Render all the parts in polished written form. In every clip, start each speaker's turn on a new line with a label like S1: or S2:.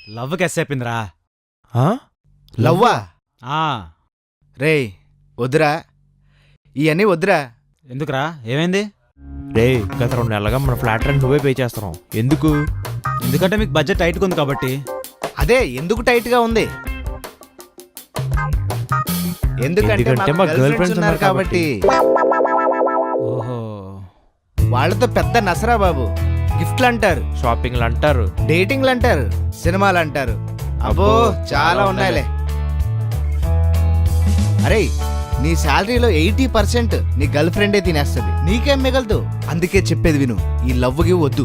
S1: Love కెస్సైపోయిందిరా.
S2: లవ్వా?
S1: రే
S2: వద్దురా, ఇవన్నీ వద్దురా.
S1: ఎందుకురా, ఏమైంది?
S3: రే గత 2 నెలలుగా మన ఫ్లాట్ రెంట్ నువ్వే పే చేస్తున్నావు. ఎందుకు?
S1: ఎందుకంటే మీకు బడ్జెట్ టైట్గా ఉంది కాబట్టి.
S2: అదే ఎందుకు టైట్ గా ఉంది? ఎందుకంటే మా గర్ల్ ఫ్రెండ్స్ ఉన్నారు కాబట్టి.
S1: ఓహో,
S2: వాళ్ళతో పెద్ద నసరా బాబు. గిఫ్ట్లు అంటారు,
S3: షాపింగ్లు అంటారు,
S2: డేటింగ్లు అంటారు, సినిమాలు అంటారు. అబ్బో చాలా ఉన్నాయిలే. అరే నీ శాలరీలో 80% నీ గర్ల్ ఫ్రెండే తినేస్తుంది. నీకేం మిగలదు. అందుకే చెప్పేది విను, ఈ లవ్వుకి వద్దు.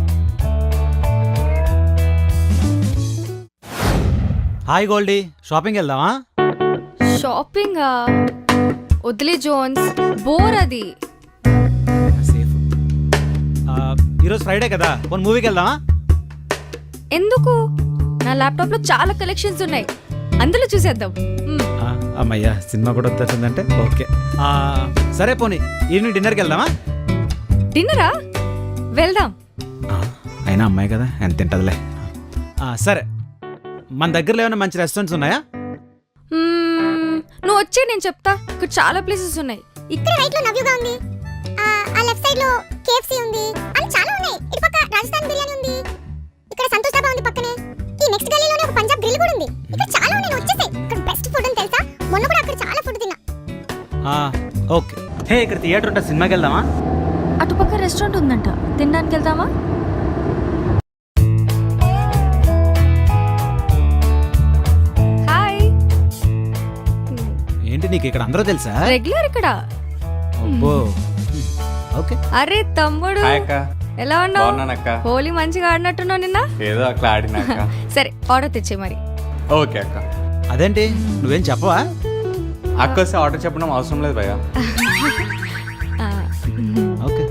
S1: హాయ్ గోల్డీ, షాపింగ్ వెళ్దామా?
S4: షాపింగా? వదిలే జోన్స్, బోర్ అది.
S1: సేఫ్. ఈరోజు ఫ్రైడే కదా, కొన్ని మూవీకి వెళ్దామా?
S4: ఎందుకు? నా ల్యాప్టాప్ లో చాలా కలెక్షన్స్ ఉన్నాయి, అందులో చూసేద్దాం.
S1: అమ్మయ్యా, సినిమా కూడా వచ్చిందంటే ఓకే. సరే పోనీ ఈవినింగ్ డిన్నర్కి వెళ్దామా?
S4: డిన్నరా? వెళ్దాం.
S1: అయినా అమ్మాయి కదా, ఎంత తింటదిలే. సరే, మన దగ్గరలో ఏమైనా మంచి రెస్టారెంట్స్ ఉన్నాయా?
S4: నువ్వు వచ్చే నేను చెప్తా. ఇక్కడ చాలా ప్లేసెస్ ఉన్నాయి.
S5: ఇక్కడ రైట్ లో నవ్యుగా ఉంది, ఆ లెఫ్ట్ సైడ్ లో కేఎఫ్సి ఉంది, అన్ని చాలా ఉన్నాయి. ఇటు పక్క రాజస్థాన్ బిర్యానీ ఉంది, ఇక్కడ సంతోష్ డాబా ఉంది పక్కనే. ఈ నెక్స్ట్ గల్లీలోనే ఒక పంజాబ్ గ్రిల్ కూడా ఉంది. ఇక్కడ చాలా ఉన్నాయి, వచ్చేసాయి. ఇక్కడ బెస్ట్ ఫుడ్ అని తెలుసా? మొన్న కూడా అక్కడ చాలా ఫుడ్ తిన్నా.
S1: ఓకే. హే, ఇక్కడ థియేటర్ ఉంటే సినిమాకి వెళ్దామా?
S4: అటుపక్క రెస్టారెంట్ ఉందంట, తినడానికి వెళ్దామా? హాయ్.
S1: ఏంటి నీకు ఇక్కడ అందరూ తెలుసా?
S4: రెగ్యులర్ ఇక్కడ.
S1: అబ్బో, ఓకే.
S4: అరే తమ్ముడు, ఎలా ఉన్నావు? హోలీ మంచిగా ఆడినట్టున్నావు నిన్న.
S6: ఏదో అట్లా ఆడినాక.
S4: సరే ఆర్డర్ తెచ్చే మరి.
S6: ఓకే అక్క.
S1: అదేంటి నువ్వేం చెప్పవా?
S6: అక్క వస్తే ఆర్డర్ చెప్పడం అవసరం లేదు భయ్యా.
S1: ఓకే.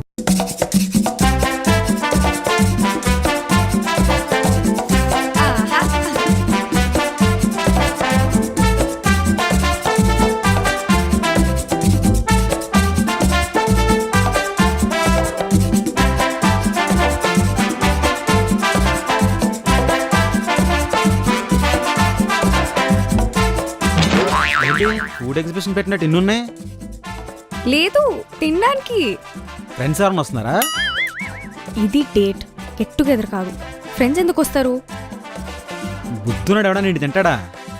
S1: ఫుడ్ ఎగ్జిబిషన్ పెట్టినట్టు ఇన్నున్నాయి.
S4: లేదు, తినడానికి.
S1: ఫ్రెండ్స్ ఎవరైనా వస్తున్నారా?
S4: ఇది డేట్, గెట్ టుగెదర్ కాదు. ఫ్రెండ్స్ ఎందుకు వస్తారు?
S1: బుద్ధున్నాడు ఎవడా, నీటి తింటాడా?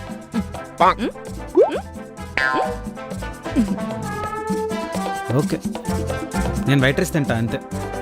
S1: ఓకే, నేను వైట్ రైస్ తింటా అంతే.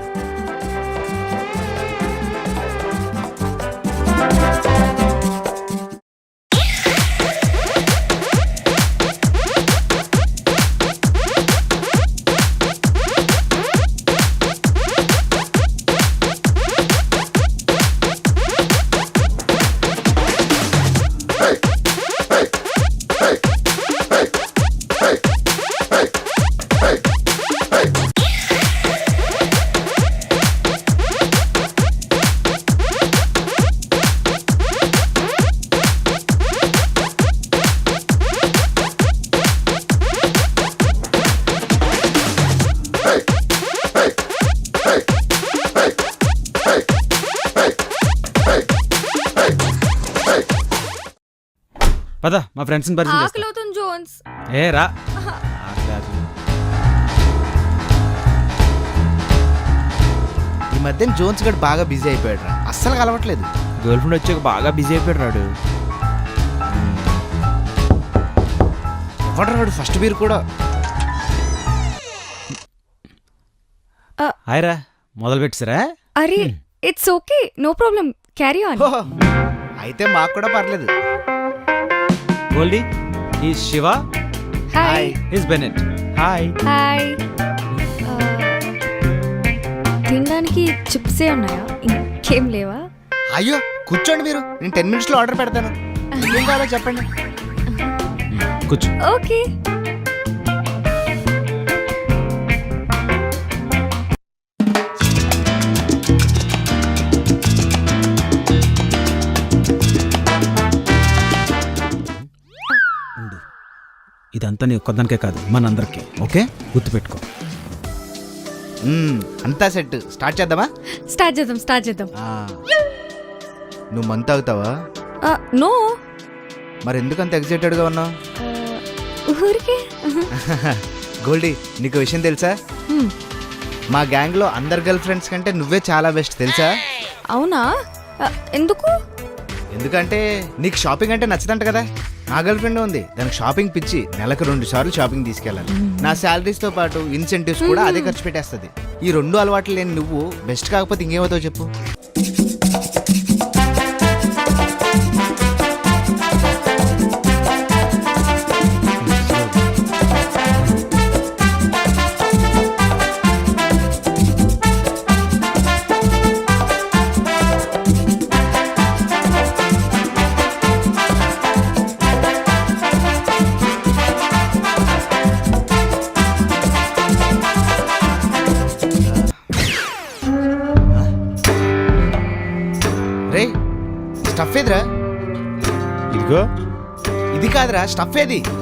S1: పద, మా ఫ్రెండ్స్ ని పరిచయం చేస్తా.
S4: ఆకలవుతుంది జోన్స్.
S1: ఏ రా.
S2: ఈ మధ్య జోన్స్ గడ్ బాగా బిజీ అయిపోయాడు రా, అస్సలు కలవట్లేదు.
S3: గర్ల్ ఫ్రెండ్ వచ్చాక బాగా బిజీ అయిపోయాడు.
S2: ఎవడు ఫస్ట్ బీర్ కూడా.
S1: హాయ్ రా, మొదలు పెట్టిసరా?
S4: అరే it's okay, no problem, carry on.
S2: అయితే మాకు కూడా పర్లేదు.
S1: గోల్డీ, ఈ Shiva.
S4: Hi.
S1: Is Bennett.
S3: Hi.
S4: Hi. తినడానికి చిప్సే ఉన్నాయా, ఇంకేం లేవా?
S2: అయ్యో కూర్చోండి మీరు, నేను 10 minutes లో ఆర్డర్ పెడతాను. ఏం కావాలో చెప్పండి.
S1: కూర్చో.
S4: ఓకే.
S1: ఇదంతా నీ ఒక్కదానికే కాదు, మనందరికీ. ఓకే, గుర్తుపెట్టుకో.
S2: అంతా సెట్. స్టార్ట్ చేద్దామా?
S4: స్టార్ట్ చేద్దాం.
S2: నువ్వు మంత్ అవుతావా?
S4: నో
S2: మరి ఎందుకంత ఎక్సైటెడ్గా ఉన్నావు?
S4: ఊరికే
S2: గోల్డీ, నీకు విషయం తెలుసా?
S4: హ్మ్.
S2: మా గ్యాంగ్లో అందరు గర్ల్ ఫ్రెండ్స్ కంటే నువ్వే చాలా బెస్ట్ తెలుసా?
S4: అవునా ఎందుకు?
S2: ఎందుకంటే నీకు షాపింగ్ అంటే నచ్చదంట కదా. నా గర్ల్ ఫ్రెండ్ ఉంది, దానికి షాపింగ్ పిచ్చి. నెలకు 2 సార్లు షాపింగ్ తీసుకెళ్ళాలి. నా శాలరీస్తో పాటు ఇన్సెంటివ్స్ కూడా అదే ఖర్చు పెట్టేస్తుంది. ఈ 2 అలవాట్లు లేని నువ్వు బెస్ట్ కాకపోతే ఇంకేమవుతావు చెప్పు? రే, స్టఫ్ ఏదిరా?
S3: ఇదిగో
S2: ఇది కాదురా, స్టఫ్ ఏది?